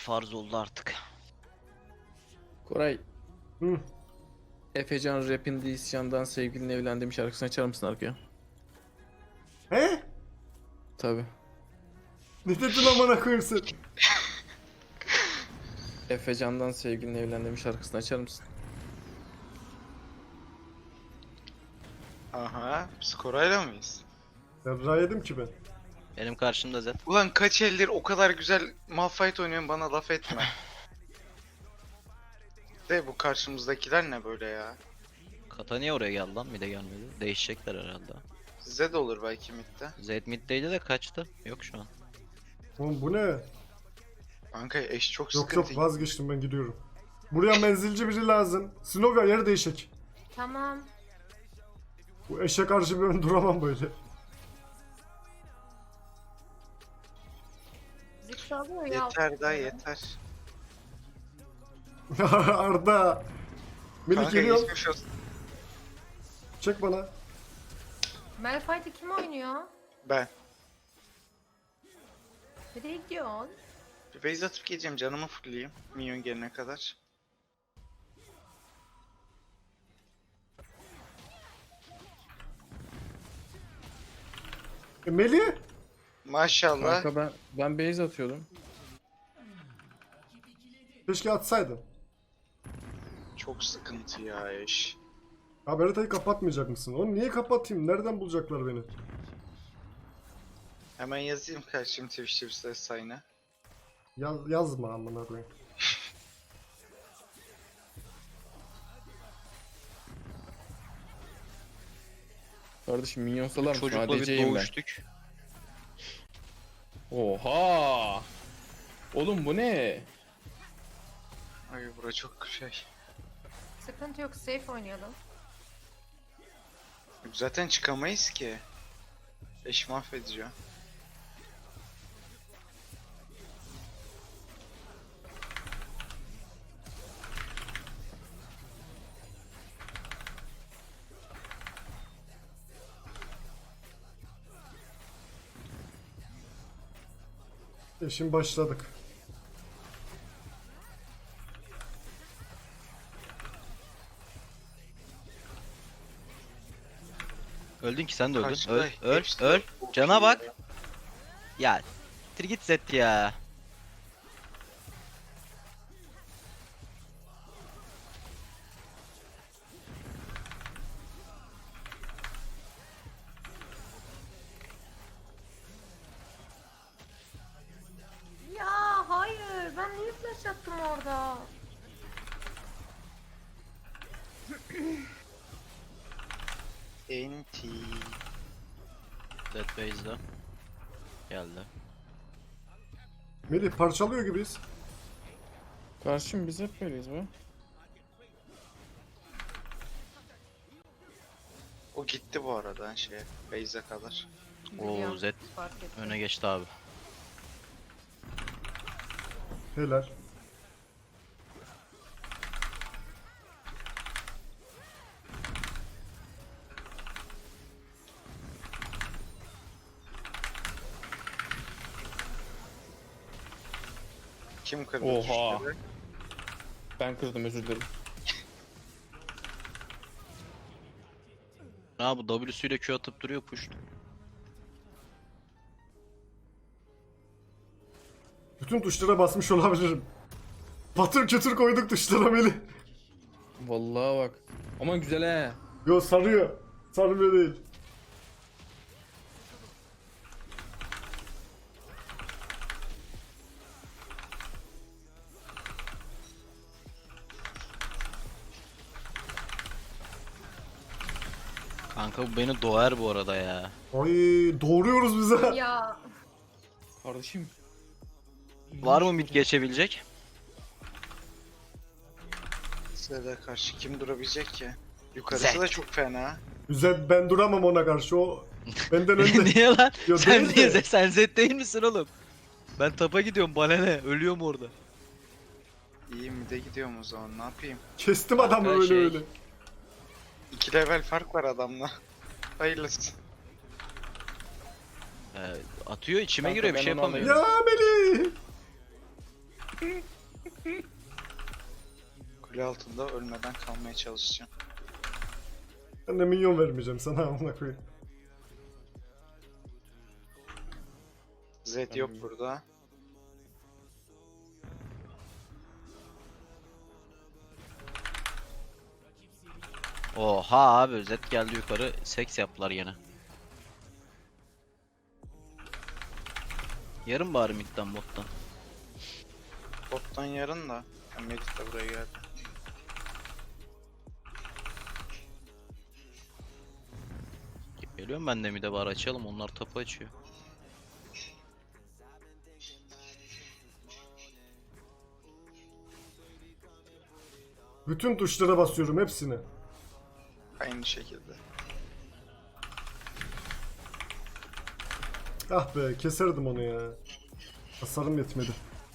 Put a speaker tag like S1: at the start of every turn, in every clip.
S1: farz oldu artık.
S2: Koray,
S3: Hı.
S2: Efecan Rap'in isyandan sevgilini evlendiğim şarkısını açar mısın arkaya?
S3: He?
S2: Tabi.
S3: Ne dedin amına koyayım sen?
S2: Efecan'dan sevgilini evlendiğim şarkısını açar mısın?
S4: Aha, biz Koray'la mıyız?
S3: Serra yedim ki ben.
S1: Benim karşımda Zed.
S4: Ulan kaç eldir o kadar güzel Malphite oynuyorsun, bana laf etme. De bu karşımızdakiler ne böyle ya?
S1: Kata niye oraya geldi lan? Mid'e gelmedi. Değişecekler herhalde.
S4: Size de olur belki midde.
S1: Zed mid'deydi de kaçtı. Yok şu an.
S3: Oğlum bu ne?
S4: Kanka eş çok
S3: Yok
S4: sıkıntı.
S3: yok vazgeçtim ben gidiyorum. Buraya menzilci biri lazım. Snovia yer değişik.
S5: Tamam.
S3: Bu eşe karşı ben duramam böyle.
S5: Zix alıyor ya.
S4: Yeter daha yeter.
S3: Arda. Melih
S4: Kanka
S3: geliyor.
S4: geçmiş olsun.
S3: Çek bana.
S5: Malphite kim oynuyor?
S4: Ben.
S5: Nereye gidiyorsun?
S4: Bir base atıp geleceğim, canımı fullleyeyim. Minyon gelene kadar.
S3: Melih.
S4: Maşallah.
S2: Kanka ben base atıyordum.
S3: Keşke atsaydın.
S4: Çok sıkıntı ya eş.
S3: Abi haritayı kapatmayacak mısın? Onu niye kapatayım? Nereden bulacaklar beni?
S4: Hemen yazayım karşım Twitch'te bir ses sayına.
S3: Yazma amına koyayım.
S2: Kardeşim minyon salar mısın?
S1: Çocukla bir
S2: ADC'yim ben.
S1: doğuştuk.
S2: Oha! Oğlum bu ne?
S4: Ay bura çok şey.
S5: Sıkıntı yok, safe oynayalım.
S4: Zaten çıkamayız ki. Eş mahvediyor.
S3: Şimdi başladık.
S1: Öldün ki sen de öldün.
S4: Karşıda
S1: Öl, öl,
S4: hepsi de
S1: öl.
S4: çok
S1: Cana
S4: iyi
S1: bak.
S4: ya.
S1: Ya. Tir git Zed ya.
S5: Ya hayır, ben niye flash attım orada?
S4: Enti.
S1: Zed base'de. Geldi.
S3: Melih parçalıyor gibiyiz.
S2: Karşım biz hep böyleyiz be.
S4: O gitti bu arada şeye. Base'e kadar.
S1: Oo
S5: Biliyorum,
S1: Zed
S5: fark ettim.
S1: öne geçti abi.
S3: Helal.
S4: Kim kırdı
S2: Oha.
S4: tuşları?
S2: Ben kırdım, özür dilerim.
S1: Ha bu W'süyle Q atıp duruyor push.
S3: Bütün tuşlara basmış olabilirim. Patır kütür koyduk tuşlara Melih.
S2: Vallahi bak. Aman güzel he.
S3: Yo sarıyor. Sarmıyor değil.
S1: Kanka bu beni doğar bu arada ya.
S3: Ay doğruyoruz bize.
S5: Ya
S2: Kardeşim.
S1: Var mı mid geçebilecek?
S4: Size karşı kim durabilecek ki? Yukarısı
S1: Zed.
S4: da çok fena.
S3: Güzel ben duramam ona karşı o benden önde.
S1: Niye lan?
S3: Yo,
S1: Sen
S3: değil
S1: niye
S3: de.
S1: Sen Zed değil misin oğlum? Ben tapa gidiyorum bana ne? Ölüyorum orada.
S4: İyi mi de gidiyorum o zaman, ne yapayım?
S3: Kestim adamı
S1: Kanka
S3: öyle
S1: şey-
S3: öyle.
S4: 2 level fark var adamla. Hayırlısı.
S1: Atıyor içime
S2: Kanka
S1: giriyor bir
S2: ben
S1: şey
S2: onu
S1: yapamıyorum.
S3: Ya Melih.
S4: Kule altında ölmeden kalmaya çalışacağım.
S3: Ben de minyon vermeyeceğim sana amına koyayım.
S4: Zed yok burada.
S1: Oha abi Zed geldi yukarı seks yaptılar yine. Yarın bari midden bottan.
S4: Bottan yarın da. Melih de buraya geldi.
S1: Geliyorum ben de mid'e bari açalım onlar tapu açıyor.
S3: Bütün tuşlara basıyorum hepsini.
S4: Aynı şekilde.
S3: Ah be keserdim onu ya. Hasarım yetmedi.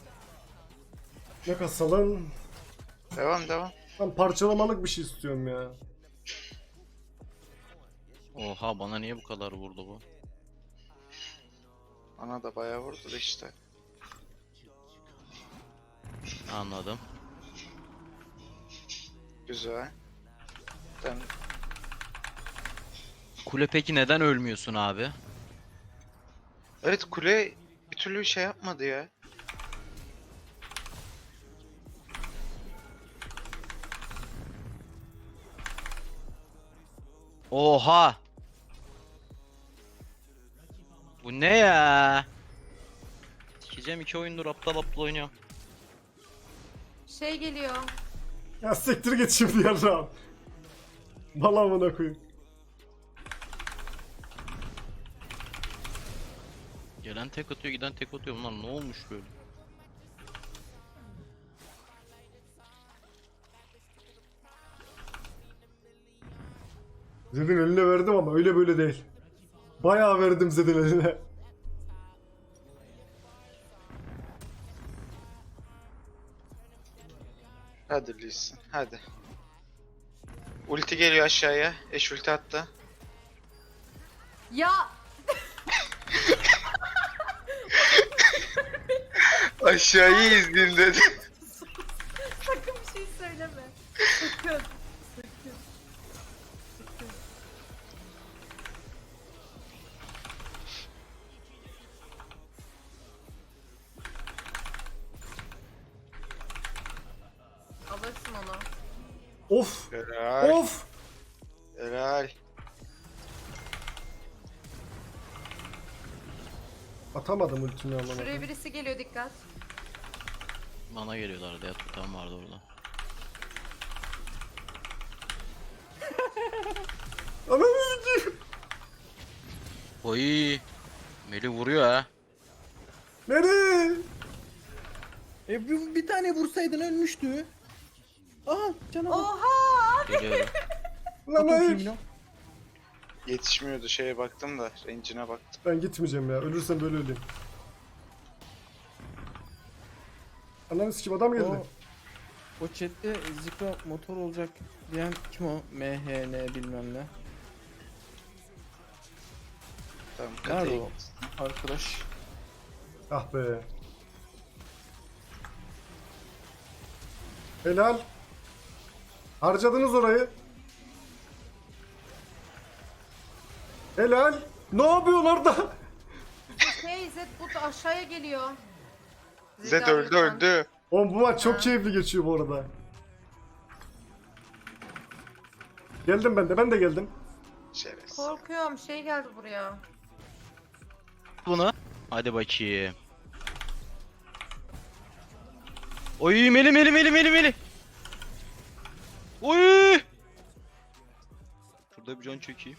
S3: Ne kasalım?
S4: Devam.
S3: Ben parçalamalık bir şey istiyorum ya.
S1: Oha bana niye bu kadar vurdu bu?
S4: Bana da bayağı vurdu da işte.
S1: Anladım.
S4: Güzel. Ben
S1: Kule peki neden ölmüyorsun abi?
S4: evet, kule bir türlü şey yapmadı ya.
S1: Oha! Bu ne ya? Sikeceğim 2 oyundur aptal aptal oynuyor.
S5: Şey geliyor.
S3: Ya siktir git şimdi yarrağım. Bala amına koyayım.
S1: Gelen tek atıyor giden tek atıyor bunlar ne olmuş böyle?
S3: Zed'in eline verdim ama öyle böyle değil. Bayağı verdim Zed'in eline.
S4: Hadi Lee Sin, hadi. Ulti geliyor aşağıya. Eş ulti attı.
S5: Ya
S4: Aşağıyı izleyeyim dedi.
S5: sakın bir şey söyleme. Sakın. Sakın. Sakın. Alırsın onu.
S3: Of.
S4: Helal.
S3: Of.
S4: Helal.
S3: Atamadım ultimi
S5: Şuraya
S3: anlamadım.
S5: birisi geliyor, dikkat.
S1: Bana geliyorlardı ya tutan vardı orada.
S3: Ananı sikeyim.
S1: Oy! Meli vuruyor ha.
S3: Nereye?
S2: Bir tane vursaydın ölmüştü. Aha canavar.
S5: Oha!
S1: Geliyorum.
S3: Lan
S2: Atın
S3: hayır.
S2: filmini.
S4: Yetişmiyordu, şeye baktım da range'ine baktım.
S3: Ben gitmeyeceğim ya. Ölürsem böyle öleyim. Ananı sikeyim adam geldi.
S2: O chatte Zika motor olacak diyen kim o? MHN bilmem ne.
S4: Tamam,
S2: Nerede
S4: kataya
S2: o arkadaş?
S3: Ah be. Helal. Harcadınız orayı. Helal. Ne yapıyorsun orada?
S5: Hey Zed bu aşağıya geliyor.
S4: Zed öldü öldü.
S3: Oğlum bu maç çok
S5: Ha.
S3: keyifli geçiyor bu arada. Geldim ben de geldim.
S4: Şerefsiz.
S5: Korkuyorum, şey geldi buraya.
S1: Bunu. Hadi bakayım. Oy Meli. Oy! Şurada bir can çekeyim.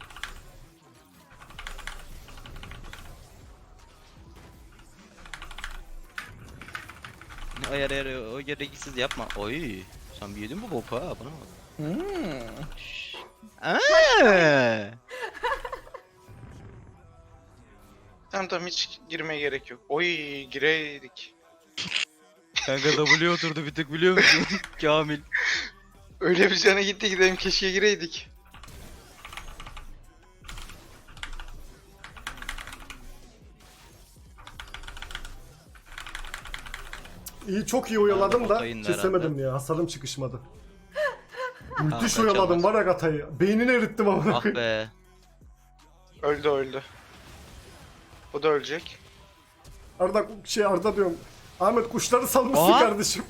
S1: Ayar o gereksiz yapma. Oy! Sen bir yedin mi boku ha bana bak. Aa!
S4: Tamam, hiç girmeye gerek yok. Oy, gireydik.
S1: Kanka W oturdu bir tık biliyor musun? Kamil.
S4: Öyle bir cana gitti gidelim, keşke gireydik.
S3: İyi, çok iyi oyaladım da
S1: Botayın
S3: kesemedim ya. Hasarım çıkışmadı. Müthiş
S1: kaçamaz.
S3: oyaladım var ya Gata'yı. Beynini erittim amına
S1: Ah
S3: koyayım.
S1: be.
S4: Öldü. O da ölecek.
S3: Arda diyorum. Ahmet kuşları salmışsın
S1: Aa!
S3: kardeşim.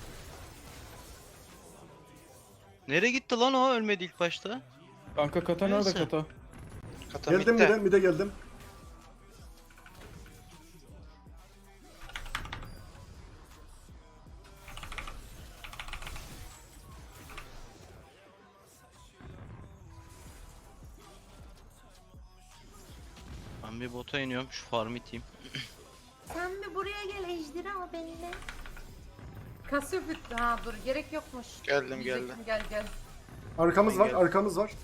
S1: Nereye gitti lan o? Ölmedi ilk başta.
S2: Kanka kata nerede
S1: Neyse.
S2: kata?
S4: Kata
S3: Geldim
S4: midde.
S3: mide geldim.
S1: Ben bir bota iniyorum. Şu farm iteyim.
S5: Sen bir buraya gel ejderha benimle. Kasıyor bitti. Ha dur gerek yokmuş.
S4: Geldim,
S5: Diyecektim, gel gel.
S3: Arkamız var,
S4: Gel.
S3: arkamız var.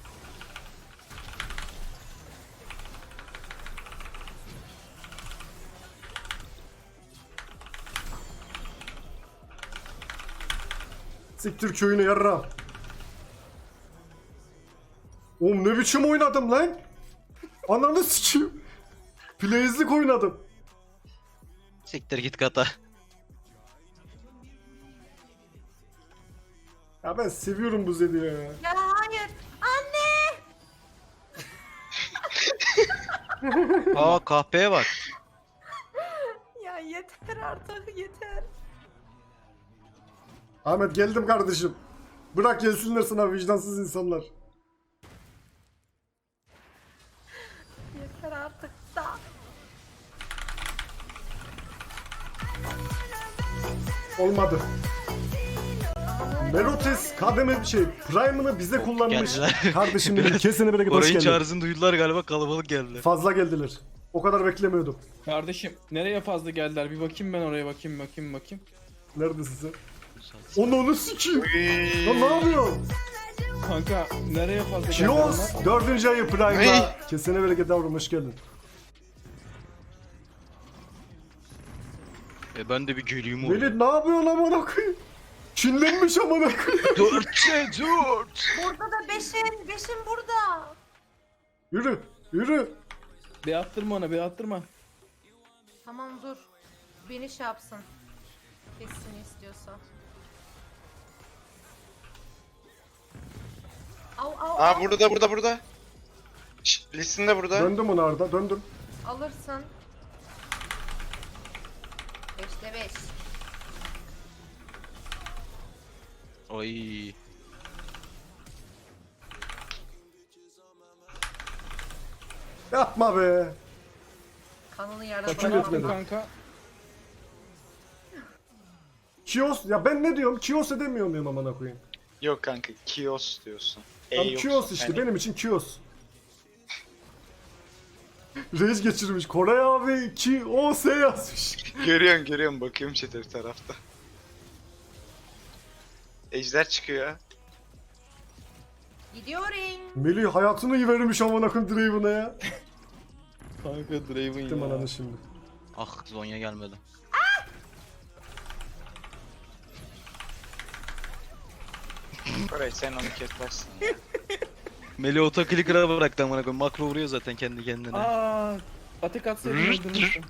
S3: Siktir köyünü yarra. Oğlum ne biçim oynadım lan? Ananı sikeyim. Plays'lik oynadım.
S1: Siktir git kata.
S3: Ya ben seviyorum bu Zed'i ya.
S5: Ya hayır. Anne.
S1: Aa kahpeye bak.
S5: Ya yeter artık yeter.
S3: Ahmet geldim kardeşim. Bırak gelsinler sana vicdansız insanlar.
S5: Yeter artık da.
S3: Olmadı. Melotes kademe Prime'ını bize kullanmış.
S1: Geldiler.
S3: Kardeşim benim kesene bereket hoş
S1: Orayın
S3: geldin.
S1: çağrısını duydular galiba, kalabalık geldi.
S3: Fazla geldiler. O kadar beklemiyordum.
S2: Kardeşim nereye fazla geldiler? Bir bakayım ben oraya bakayım.
S3: Neredesin sen? Onu sikeyim. Lan ne yapıyorsun?
S2: Kanka nereye fazla geldiler
S3: Kios
S2: onlar?
S3: 4. ayı Prime'da.
S4: Hey!
S3: Kesene bereket yavrum hoş geldin.
S1: Ben de bir geleyim oraya.
S3: Melih ne yapıyorsun amına koyayım? Çinlenmiş amına koyayım.
S1: 4.
S5: Burada da beşin burada.
S3: Yürü, yürü.
S2: Bir attırma ona bir attırma.
S5: Tamam dur. Beni şey yapsın. Kessin istiyorsa. Au.
S4: Aa burada. Şşt, Lissin de burada.
S3: Döndüm ona Arda, döndüm.
S5: Alırsın. 5'te 5.
S1: Oy.
S3: Yapma be.
S5: Kanını yarada
S3: Kaçın
S2: Ben attım
S3: etmedi.
S2: kanka.
S3: Kios, ya ben ne diyorum? Kios edemiyor muyum amına koyayım?
S4: Yok kanka, Kios diyorsun.
S3: Tam
S4: yoksa
S3: Kios işte,
S4: yani
S3: benim için Kios. Reis geçirmiş. Koray abi Kios yazmış.
S4: Görüyorum bakıyorum chat'e bir tarafta. Ejder çıkıyor.
S5: Gidiyorum.
S3: Melih hayatını iyi vermiş amına koyayım Draven'a ya.
S2: Kanka Draven
S3: Gittim
S2: ya.
S3: ananı şimdi.
S1: Ah Zonya gelmedi.
S4: Koray sen onu kesmezsin ya.
S1: Meli otoclicker'a bıraktı amına koyayım. Makro vuruyor zaten kendi kendine.
S2: Aa, atek atsaydın öldürmüştüm.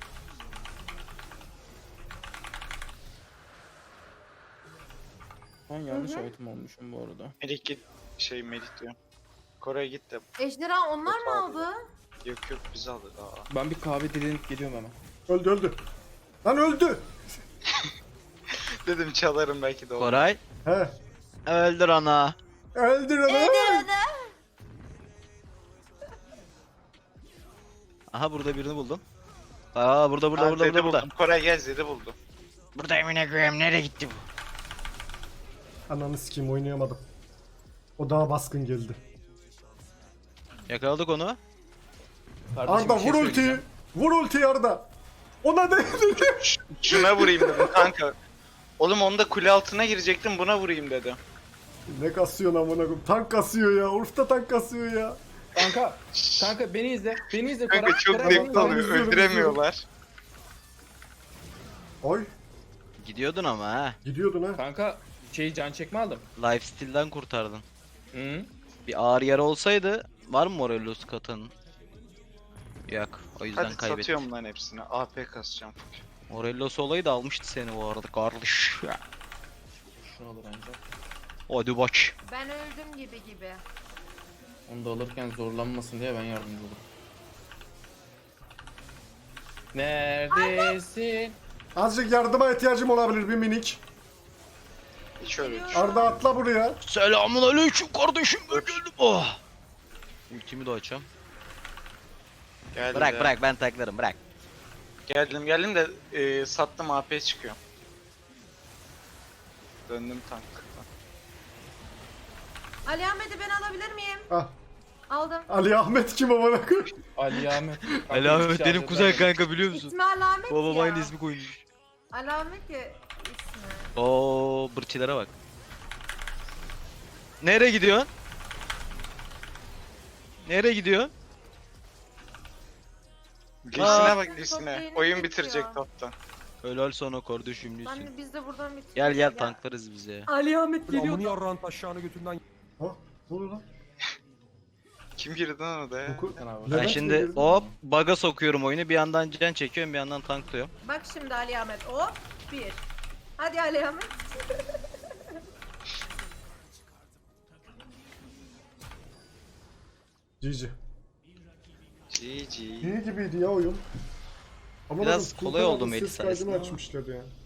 S2: Ben yanlış item olmuşum bu arada.
S4: Melih git. Melih diyorum. Koray git de.
S5: Ejderha onlar mı
S4: Yok abi.
S5: aldı?
S4: Yok biz aldık aa.
S2: Ben bir kahve dilenip geliyorum hemen.
S3: Öldü. Lan öldü.
S4: Dedim çalarım belki de olur.
S1: Koray.
S3: He.
S1: Öldür ana.
S3: Öldür onu.
S1: Aha burada birini buldum. Aa burada
S4: Aa, Zed'i
S1: burada.
S4: buldum. Koray gel Zed'i buldum.
S1: Burada emine koyayım, nereye gitti bu?
S3: Ananı sikeyim oynayamadım. O daha baskın geldi.
S1: Yakaladık onu.
S2: Kardeşim,
S3: Arda
S2: bir şey
S3: vur ultiyi.
S2: söyleyeceğim.
S3: Vur ultiyi Arda. Ona değdi.
S4: Şuna vurayım dedim kanka. Oğlum onda kule altına girecektim, buna vurayım dedim.
S3: Ne kasıyorsun amına koyayım? Tank kasıyor ya. Urf'ta tank kasıyor ya.
S2: Kanka beni izle. Beni izle.
S4: Kanka çok
S2: Koray,
S4: zevkli
S2: Koray,
S4: oluyor,
S3: izliyorum,
S4: öldüremiyorlar.
S3: Oy.
S1: Gidiyordun ama ha.
S3: Gidiyordun ha.
S2: Kanka can çekme aldım.
S1: Lifesteal'den kurtardın.
S2: Hı.
S1: Bir ağır yara olsaydı var mı Morellos katın? Yok. O yüzden
S4: Hadi
S1: kaybettik.
S4: satıyorum lan hepsini. AP kasacağım.
S1: Morellos olayı da almıştı seni bu arada kardeş.
S2: Şunu alır ancak.
S1: Hadi bak.
S5: Ben öldüm gibi.
S2: Onu da alırken zorlanmasın diye ben yardımcı olurum. Neredesin?
S3: Azıcık yardıma ihtiyacım olabilir bir minik.
S4: Hiç öyle
S5: Geliyorum.
S4: düşün.
S3: Arda atla buraya.
S1: Selamun aleyküm kardeşim ben geldim. Oh. Ultimi de açam.
S4: Geldim
S1: Bırak
S4: ya.
S1: bırak ben taklarım bırak.
S4: Geldim de sattım AP çıkıyor. Döndüm tank.
S5: Ali Ahmet'i ben alabilir miyim?
S3: Ah,
S5: Aldım.
S3: Ali Ahmet kim amına koyayım?
S2: Ali Ahmet. Kanka,
S1: Ali
S2: hiçbir
S1: Ahmet
S2: şey
S1: benim kuzen
S2: hazırlamadım.
S1: kanka biliyor musun?
S5: İsmi Alamet
S1: Babam
S5: ya.
S1: aynı ismi koymuş.
S5: Alamet ya ismi.
S1: Oo bırçilere bak. Nereye gidiyorsun? Nereye gidiyorsun?
S4: Lisine bak
S5: Top
S4: Lisine.
S5: lane'i
S4: Oyun
S5: bitiyor.
S4: bitirecek toptan.
S1: Helal sana kardeşim Lüsün.
S5: Ben de biz de buradan bitiriyoruz.
S1: Gel gel tanklarız bize.
S5: Ali Ahmet geliyor.
S6: Amını yarrağın taşağını götünden.
S3: Ha, ne oluyor lan?
S4: Kim girdi lan odaya?
S3: Oku.
S2: Sen abi.
S1: Ben
S3: Levent mi
S1: şimdi
S3: girdi?
S1: hop bug'a sokuyorum oyunu. Bir yandan can çekiyorum bir yandan tanklıyorum.
S5: Bak şimdi Ali Ahmet. Hop. Bir. Hadi Ali Ahmet.
S3: GG.
S4: GG.
S3: İyi gibiydi ya oyun. Ama
S1: Biraz
S3: bakın,
S1: kolay
S3: Sultan
S1: oldu
S3: abi
S1: Melis
S3: ses kaydını
S1: sayesinde ama.
S3: açmışlar ya.